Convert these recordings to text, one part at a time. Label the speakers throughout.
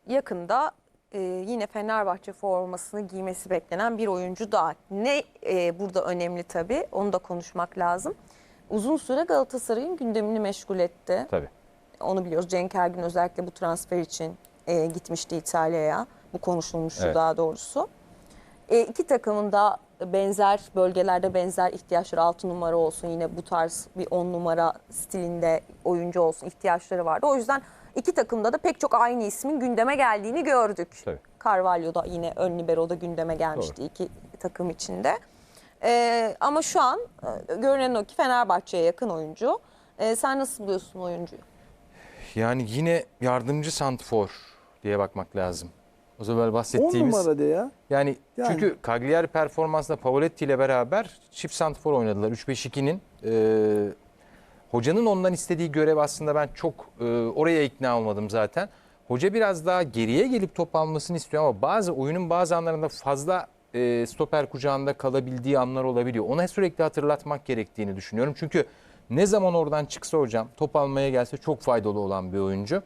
Speaker 1: yakında yine Fenerbahçe formasını giymesi beklenen bir oyuncu daha. Ne burada önemli tabii, onu da konuşmak lazım. Uzun süre Galatasaray'ın gündemini meşgul etti.
Speaker 2: Tabii.
Speaker 1: Onu biliyoruz. Cenk Ergün özellikle bu transfer için gitmişti İtalya'ya. Bu konuşulmuştu
Speaker 2: Evet.
Speaker 1: daha doğrusu. İki takımın da benzer bölgelerde benzer ihtiyaçları, 6 numara olsun, yine bu tarz bir 10 numara stilinde oyuncu olsun ihtiyaçları vardı. O yüzden iki takımda da pek çok aynı ismin gündeme geldiğini gördük.
Speaker 2: Tabii.
Speaker 1: Carvalho da yine ön libero'da gündeme gelmişti. Doğru. İki takım içinde. Ama şu an görünen o ki Fenerbahçe'ye yakın oyuncu. Sen nasıl buluyorsun oyuncuyu?
Speaker 2: Yani yine yardımcı santrfor diye bakmak lazım. O zaman bahsettiğimiz
Speaker 3: 10 numara de ya.
Speaker 2: Yani çünkü Cagliari performansında Pavoletti ile beraber çift santrfor oynadılar. 3-5-2'nin hocanın ondan istediği görev aslında ben çok oraya ikna olmadım zaten. Hoca biraz daha geriye gelip top almasını istiyor ama oyunun bazı anlarında fazla stoper kucağında kalabildiği anlar olabiliyor. Ona sürekli hatırlatmak gerektiğini düşünüyorum. Çünkü ne zaman oradan çıksa hocam top almaya gelse çok faydalı olan bir oyuncu.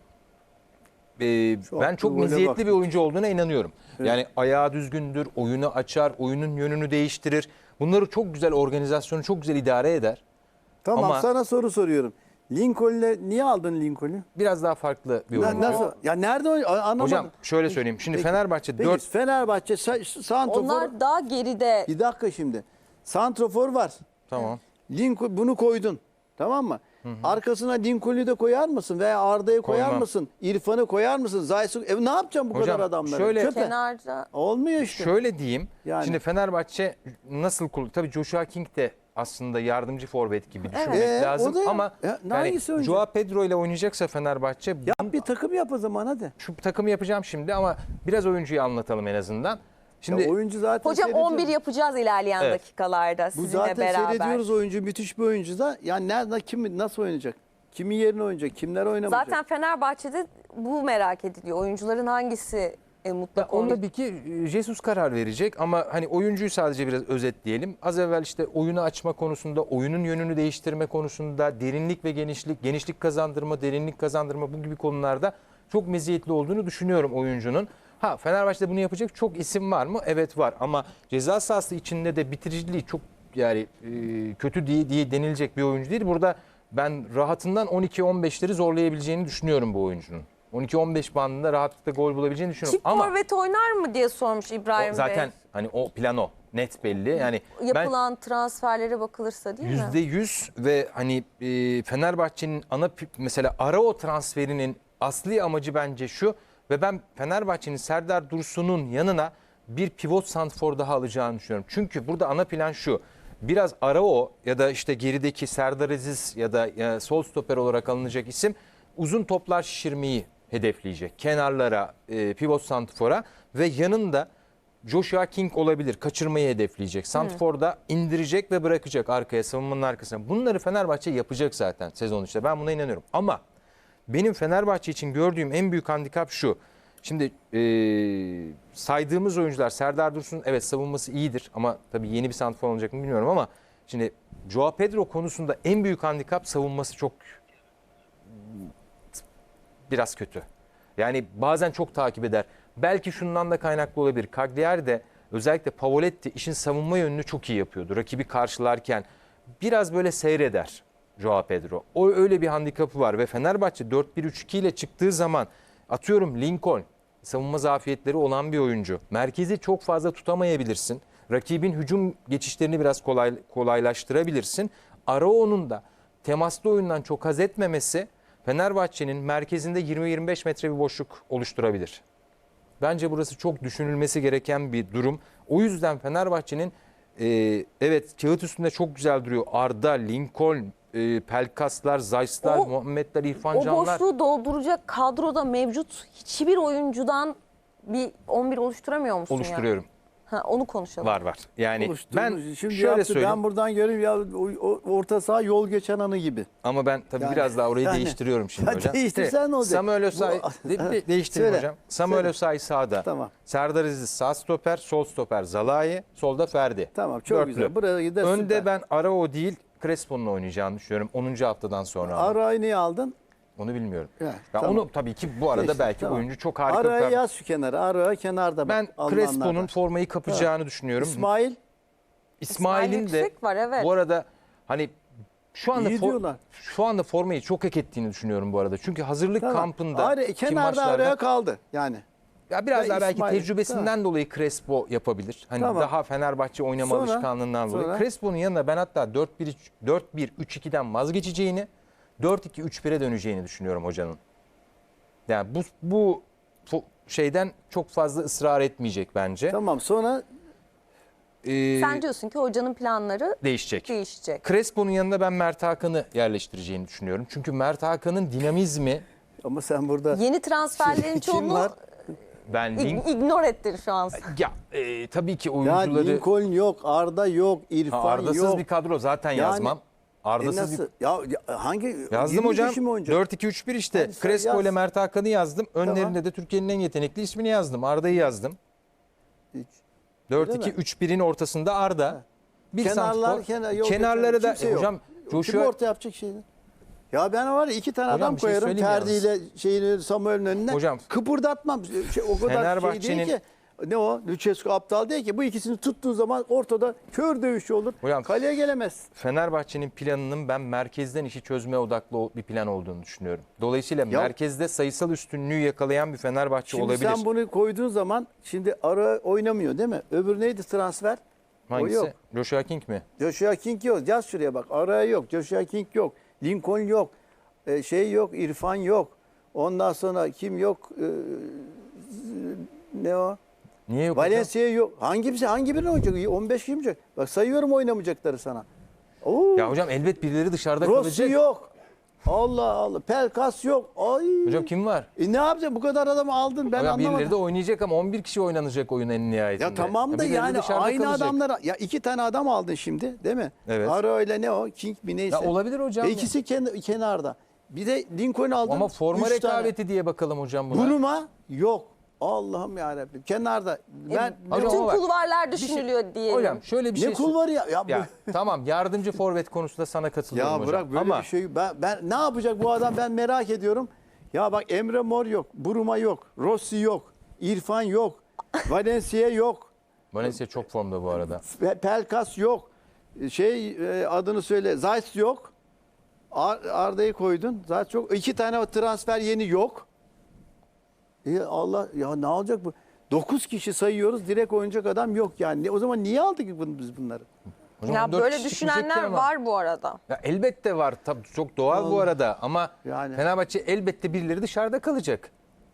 Speaker 2: Ben çok meziyetli bir oyuncu olduğuna inanıyorum. Evet. Yani ayağı düzgündür, oyunu açar, oyunun yönünü değiştirir. Bunları çok güzel, organizasyonu çok güzel idare eder.
Speaker 3: Tamam,
Speaker 2: ama
Speaker 3: sana soru soruyorum. Lincoln'le niye aldın Lincoln'ü?
Speaker 2: Biraz daha farklı bir oyuncu.
Speaker 3: Nasıl? Ya nerede anlamadım.
Speaker 2: Hocam şöyle söyleyeyim. Şimdi
Speaker 3: Peki,
Speaker 2: Fenerbahçe
Speaker 3: peki,
Speaker 2: 4...
Speaker 3: Fenerbahçe santrofor.
Speaker 1: Onlar daha geride.
Speaker 3: Bir dakika şimdi. Santrofor var.
Speaker 2: Tamam.
Speaker 3: Lincoln bunu koydun. Tamam mı? Hı hı. Arkasına Lincoln'ü de koyar mısın? Veya Arda'yı koyar mısın? İrfan'ı koyar mısın? Zaysu. Ne yapacağım bu
Speaker 2: hocam,
Speaker 3: kadar adamları?
Speaker 2: Şöyle,
Speaker 1: kenarda.
Speaker 3: Olmuyor işte.
Speaker 2: Şöyle diyeyim.
Speaker 3: Yani.
Speaker 2: Şimdi Fenerbahçe nasıl tabii Joshua King de aslında yardımcı forvet gibi düşünmek lazım. Ama yani Joao Pedro ile oynayacaksa Fenerbahçe...
Speaker 3: Yap bir takım yap o zaman hadi.
Speaker 2: Şu takımı yapacağım şimdi ama biraz oyuncuyu anlatalım en azından. Şimdi
Speaker 3: ya oyuncu zaten
Speaker 1: hocam 11 yapacağız ilerleyen dakikalarda sizinle beraber.
Speaker 3: Bu zaten seyrediyoruz, oyuncu müthiş bir oyuncu da. Yani nerede kim nasıl oynayacak? Kimin yerine oynayacak? Kimler oynamayacak?
Speaker 1: Zaten Fenerbahçe'de bu merak ediliyor. Oyuncuların hangisi mutlaka
Speaker 2: onda tabii ki Jesus karar verecek ama hani oyuncuyu sadece biraz özetleyelim. Az evvel işte oyunu açma konusunda, oyunun yönünü değiştirme konusunda, derinlik ve genişlik kazandırma, derinlik kazandırma bu gibi konularda çok meziyetli olduğunu düşünüyorum oyuncunun. Fenerbahçe'de bunu yapacak çok isim var mı? Evet var ama ceza sahası içinde de bitiriciliği çok yani kötü diye denilecek bir oyuncu değil. Burada ben rahatından 12-15'leri zorlayabileceğini düşünüyorum bu oyuncunun. 12-15 bandında rahatlıkla gol bulabileceğini düşünüyorum.
Speaker 1: Çift forvet oynar mı diye sormuş İbrahim Bey.
Speaker 2: Zaten hani o plano net belli. Yani
Speaker 1: yapılan transferlere bakılırsa değil mi?
Speaker 2: %100 ve hani Fenerbahçe'nin mesela Arao transferinin asli amacı bence şu ve ben Fenerbahçe'nin Serdar Dursun'un yanına bir pivot santrfor daha alacağını düşünüyorum. Çünkü burada ana plan şu. Biraz Arao ya da işte gerideki Serdar Aziz ya da sol stoper olarak alınacak isim uzun toplar şişirmeyi hedefleyecek. Kenarlara, pivot santrfora ve yanında Joshua King olabilir. Kaçırmayı hedefleyecek. Santrfor'da indirecek ve bırakacak arkaya, savunmanın arkasına. Bunları Fenerbahçe yapacak zaten sezon içinde. Ben buna inanıyorum. Ama benim Fenerbahçe için gördüğüm en büyük handikap şu. Şimdi saydığımız oyuncular Serdar Dursun evet savunması iyidir ama tabii yeni bir santrfor olacak mı bilmiyorum ama şimdi Joao Pedro konusunda en büyük handikap savunması çok biraz kötü. Yani bazen çok takip eder. Belki şundan da kaynaklı olabilir. Cagliari de özellikle Pavoletti işin savunma yönünü çok iyi yapıyordu. Rakibi karşılarken biraz böyle seyreder Joao Pedro. O öyle bir handikapı var ve Fenerbahçe 4-1-3-2 ile çıktığı zaman atıyorum Lincoln savunma zafiyetleri olan bir oyuncu. Merkezi çok fazla tutamayabilirsin. Rakibin hücum geçişlerini biraz kolaylaştırabilirsin. Arao'nun da temaslı oyundan çok haz etmemesi Fenerbahçe'nin merkezinde 20-25 metre bir boşluk oluşturabilir. Bence burası çok düşünülmesi gereken bir durum. O yüzden Fenerbahçe'nin evet kağıt üstünde çok güzel duruyor. Arda, Lincoln, Pelkaslar, Zayt'lar, Muhammedler, İrfan Canlar.
Speaker 1: O boşluğu dolduracak kadroda mevcut hiçbir oyuncudan bir 11 oluşturamıyor musun?
Speaker 2: Oluşturuyorum.
Speaker 1: Onu konuşalım.
Speaker 2: Var. Yani ben
Speaker 3: şimdi
Speaker 2: şöyle söyleyeyim.
Speaker 3: Ben buradan görüyorum ya orta saha yol geçen anı gibi.
Speaker 2: Ama ben tabii biraz daha orayı değiştiriyorum şimdi hocam.
Speaker 3: Değiştirsen ne olacak?
Speaker 2: Samuel Osay değiştireyim hocam. Samuel Osay sağda.
Speaker 3: Tamam.
Speaker 2: Serdar Aziz sağ stoper, sol stoper Zalai, solda Ferdi.
Speaker 3: Tamam çok
Speaker 2: Dörtlü.
Speaker 3: güzel. Buraya gider.
Speaker 2: Önde ben Arao değil Crespo'nun oynayacağını düşünüyorum 10. haftadan sonra.
Speaker 3: Arao'yu niye aldın?
Speaker 2: Onu bilmiyorum.
Speaker 3: Ya,
Speaker 2: Ben
Speaker 3: tamam.
Speaker 2: onu tabii ki bu arada
Speaker 3: Geçti,
Speaker 2: belki
Speaker 3: tamam.
Speaker 2: oyuncu çok harika.
Speaker 3: Araya yaz şu kenara. Araya kenarda bak.
Speaker 2: Ben
Speaker 3: alınanlardan.
Speaker 2: Crespo'nun formayı kapacağını düşünüyorum.
Speaker 3: İsmail
Speaker 2: İsmail'in de
Speaker 1: yüksek var, evet.
Speaker 2: bu arada hani şu anda
Speaker 3: İyi diyorlar.
Speaker 2: şu anda formayı çok hak ettiğini düşünüyorum bu arada. Çünkü hazırlık
Speaker 3: tamam.
Speaker 2: kampında
Speaker 3: Araya, kenarda araya kaldı yani.
Speaker 2: ya biraz
Speaker 3: Ve
Speaker 2: daha belki
Speaker 3: İsmail,
Speaker 2: tecrübesinden dolayı Crespo yapabilir. Hani
Speaker 3: Tamam.
Speaker 2: daha Fenerbahçe oynama
Speaker 3: Sonra-
Speaker 2: alışkanlığından dolayı.
Speaker 3: sonra?
Speaker 2: Crespo'nun yanına ben hatta 4-1-3-2'den vazgeçeceğini, 4-2-3-1'e döneceğini düşünüyorum hocanın. Yani bu şeyden çok fazla ısrar etmeyecek bence.
Speaker 3: Tamam sonra
Speaker 1: Sen diyorsun ki hocanın planları
Speaker 2: Değişecek.
Speaker 1: değişecek.
Speaker 2: Crespo'nun yanına ben Mert Hakan'ı yerleştireceğini düşünüyorum. Çünkü Mert Hakan'ın dinamizmi
Speaker 3: ama sen burada
Speaker 1: Yeni transferlerin
Speaker 3: kim
Speaker 1: çoğunu
Speaker 3: var?
Speaker 2: ben
Speaker 1: ignore ettir şu an.
Speaker 2: ya tabii ki
Speaker 3: Ya
Speaker 2: oyuncuları
Speaker 3: Lincoln yok, Arda yok, İrfan
Speaker 2: ardasız
Speaker 3: yok.
Speaker 2: bir kadro zaten
Speaker 3: Yani-
Speaker 2: yazmam. Ardasız
Speaker 3: Nasıl?
Speaker 2: bir
Speaker 3: Hangi
Speaker 2: yazdım
Speaker 3: 20
Speaker 2: hocam.
Speaker 3: kişi mi oynayacak?
Speaker 2: 4-2-3-1 işte.
Speaker 3: Hadi sen
Speaker 2: Crespo
Speaker 3: yaz.
Speaker 2: ile Mert Hakan'ı yazdım. Önlerinde
Speaker 3: Tamam.
Speaker 2: de Türkiye'nin en yetenekli ismini yazdım. Arda'yı yazdım.
Speaker 3: Hiç.
Speaker 2: 4-2-3-1'in ortasında Arda. Bir santrfor. Kenarları da
Speaker 3: kimse yok.
Speaker 2: hocam
Speaker 3: Kim
Speaker 2: Joshua
Speaker 3: orta yapacak şeyini? Ya ben var ya 2 tane
Speaker 2: Hocam
Speaker 3: adam
Speaker 2: bir şey
Speaker 3: koyarım
Speaker 2: söyleyeyim
Speaker 3: Ferdi ile şeyini Samuel'in önüne.
Speaker 2: Hocam,
Speaker 3: Kıpırdatmam. O kadar şey
Speaker 2: Fenerbahçe'nin-
Speaker 3: değil ki. Ne o? Lucescu aptal değil ki. Bu ikisini tuttuğun zaman ortada kör dövüşü olur.
Speaker 2: Hocam-
Speaker 3: Kaleye gelemez.
Speaker 2: Fenerbahçe'nin planının ben merkezden işi çözmeye odaklı bir plan olduğunu düşünüyorum. Dolayısıyla merkezde sayısal üstünlüğü yakalayan bir Fenerbahçe
Speaker 3: Şimdi
Speaker 2: olabilir.
Speaker 3: sen bunu koyduğun zaman şimdi ara oynamıyor değil mi? Öbür neydi transfer?
Speaker 2: Hangisi?
Speaker 3: O yok.
Speaker 2: Joshua King mi?
Speaker 3: Joshua King yok. Yaz şuraya bak. Araya yok. Joshua King yok. Lincoln yok. Şey yok. İrfan yok. Ondan sonra kim yok? Ne o?
Speaker 2: Niye yok hocam?
Speaker 3: Valencia yok. Hangi birini oynayacak? 15 kim oynayacak? Bak sayıyorum oynamayacakları sana. Oo.
Speaker 2: Ya hocam elbet birileri dışarıda
Speaker 3: Rossi
Speaker 2: kalacak.
Speaker 3: yok. Allah Allah. Pelkas yok. Ay.
Speaker 2: Hocam kim var?
Speaker 3: Ne yapacaksın? Bu kadar adamı aldın. Ben
Speaker 2: Hocam birileri
Speaker 3: anlamadım.
Speaker 2: de oynayacak ama 11 kişi oynanacak oyun en nihayetinde.
Speaker 3: Ya tamam da
Speaker 2: birileri
Speaker 3: yani
Speaker 2: dışarıda
Speaker 3: aynı
Speaker 2: kalacak.
Speaker 3: adamlar. Ya 2 tane adam aldın şimdi değil mi?
Speaker 2: Evet.
Speaker 3: Ara öyle ne o? King mi neyse.
Speaker 2: Ya olabilir hocam.
Speaker 3: Ve ikisi kenarda. Bir de Lincoln aldın.
Speaker 2: Ama forma
Speaker 3: 3 tane.
Speaker 2: rekabeti diye bakalım hocam buna.
Speaker 3: Buruma yok. Allah'ım yarabbim. Kenarda. Ben
Speaker 2: Hocam
Speaker 1: Bütün
Speaker 2: ama bak,
Speaker 1: kulvarlar düşünülüyor diyelim.
Speaker 2: Hocam şöyle bir
Speaker 3: ne
Speaker 2: şey
Speaker 3: kul var ya? Ya,
Speaker 2: Ya tamam yardımcı forvet konusunda sana katılıyorum
Speaker 3: ya
Speaker 2: hocam.
Speaker 3: bırak böyle
Speaker 2: ama
Speaker 3: bir şey. Ben ne yapacak bu adam ben merak ediyorum. Ya bak Emre Mor yok. Buruma yok. Rossi yok. İrfan yok. Valencia yok.
Speaker 2: Valencia çok formda bu arada.
Speaker 3: Pelkas yok. Adını söyle. Zayt yok. Arda'yı koydun. Zayt yok. 2 tane transfer yeni yok. Allah ya ne olacak bu? 9 kişi sayıyoruz. Direkt oynayacak adam yok yani. O zaman niye aldık biz bunları?
Speaker 2: Hocam
Speaker 1: Ya
Speaker 2: 14
Speaker 1: böyle
Speaker 2: kişi
Speaker 1: düşünenler
Speaker 2: çıkacak ama.
Speaker 1: var bu arada.
Speaker 2: Ya elbette var. Tabii çok doğal bu arada ama
Speaker 3: Yani.
Speaker 2: Fenerbahçe elbette birileri dışarıda kalacak.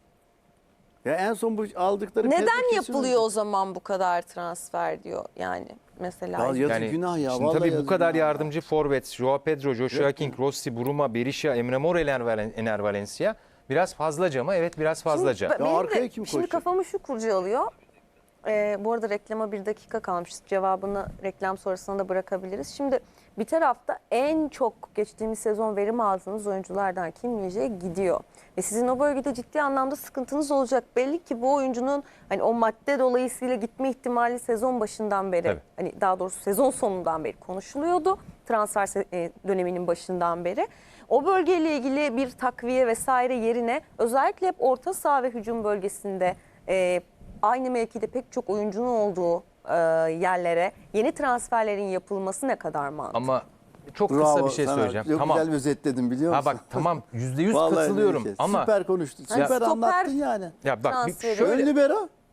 Speaker 3: Ya en son bu aldıkları
Speaker 1: Neden
Speaker 3: Pedro
Speaker 1: yapılıyor o zaman bu kadar transfer diyor yani mesela.
Speaker 3: Ya yazık günah ya.
Speaker 2: Şimdi
Speaker 3: Vallahi
Speaker 2: tabii bu
Speaker 3: yazık
Speaker 2: kadar
Speaker 3: günah ya.
Speaker 2: yardımcı forvet, Joao Pedro, Joshua
Speaker 3: Yok
Speaker 2: King, Rossi, Buruma, Berisha, Emre Mor, Ener Valencia. Biraz fazlaca mı? Evet biraz fazlaca.
Speaker 1: Şimdi, benim
Speaker 3: arkaya
Speaker 1: de
Speaker 3: kim
Speaker 1: şimdi
Speaker 3: koyacak?
Speaker 1: kafamı şu kurcalıyor. Bu arada reklama 1 dakika kalmış. Cevabını reklam sonrasına da bırakabiliriz. Şimdi bir tarafta en çok geçtiğimiz sezon verim aldığınız oyunculardan Kim Min-jae gidiyor. Ve sizin o bölgede ciddi anlamda sıkıntınız olacak. Belli ki bu oyuncunun hani o madde dolayısıyla gitme ihtimali sezon başından beri,
Speaker 2: Tabii.
Speaker 1: hani daha doğrusu sezon sonundan beri konuşuluyordu. Transfer döneminin başından beri. O bölgeyle ilgili bir takviye vesaire yerine özellikle hep orta saha ve hücum bölgesinde aynı mevkide pek çok oyuncunun olduğu yerlere yeni transferlerin yapılması ne kadar mantıklı?
Speaker 2: Ama çok kısa
Speaker 3: Bravo
Speaker 2: bir şey
Speaker 3: sana.
Speaker 2: söyleyeceğim.
Speaker 3: Çok
Speaker 2: Tamam.
Speaker 3: güzel özetledin biliyor musun?
Speaker 2: Ha bak tamam %100
Speaker 3: Vallahi
Speaker 2: katılıyorum
Speaker 3: öyle.
Speaker 2: ama
Speaker 3: Süper konuştun.
Speaker 1: Hani
Speaker 3: Süper
Speaker 1: stoper-
Speaker 3: anlattın yani.
Speaker 2: ya bak
Speaker 1: transferi-
Speaker 2: şöyle
Speaker 3: Ön libero.